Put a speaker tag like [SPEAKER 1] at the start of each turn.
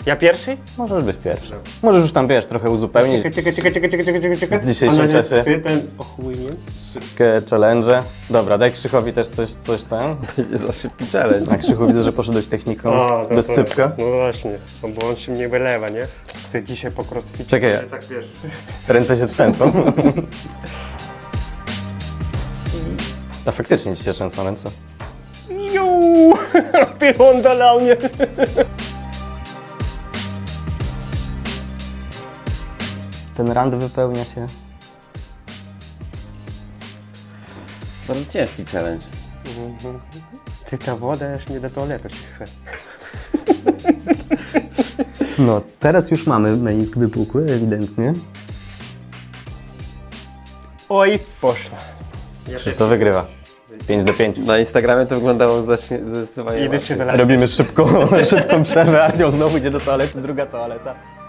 [SPEAKER 1] Ja pierwszy?
[SPEAKER 2] Możesz być pierwszy. Możesz już tam, wiesz, trochę uzupełnić
[SPEAKER 1] Czekaj.
[SPEAKER 2] w dzisiejszym czasie.
[SPEAKER 1] Ty ten ochujnie.
[SPEAKER 2] Szybkie challenge. Dobra, daj Krzychowi też coś tam.
[SPEAKER 3] Będzie za szybki challenge.
[SPEAKER 2] A Krzychu, widzę, że poszedłeś techniką
[SPEAKER 1] no
[SPEAKER 2] bez
[SPEAKER 1] to-
[SPEAKER 2] cypka.
[SPEAKER 1] No właśnie, no bo on się mnie wylewa, nie? Ty dzisiaj po crossficie.
[SPEAKER 2] Czekaj,
[SPEAKER 1] Tak wiesz.
[SPEAKER 2] ręce się trzęsą. A faktycznie ci się trzęsą ręce.
[SPEAKER 1] Juuu! Ty on dolał mnie.
[SPEAKER 2] Ten rand wypełnia się.
[SPEAKER 3] Bardzo ciężki challenge.
[SPEAKER 1] Ty ta woda już nie do toalety się chce.
[SPEAKER 2] No, teraz już mamy menisk wypukły, ewidentnie.
[SPEAKER 1] Oj, poszła.
[SPEAKER 2] Krzysztof wygrywa. 5-5.
[SPEAKER 3] Na Instagramie to wyglądało zdecydowanie
[SPEAKER 1] Idę się
[SPEAKER 3] łatwiej.
[SPEAKER 1] wylać.
[SPEAKER 2] Robimy szybką przerwę, Artio znowu idzie do toalety, druga toaleta.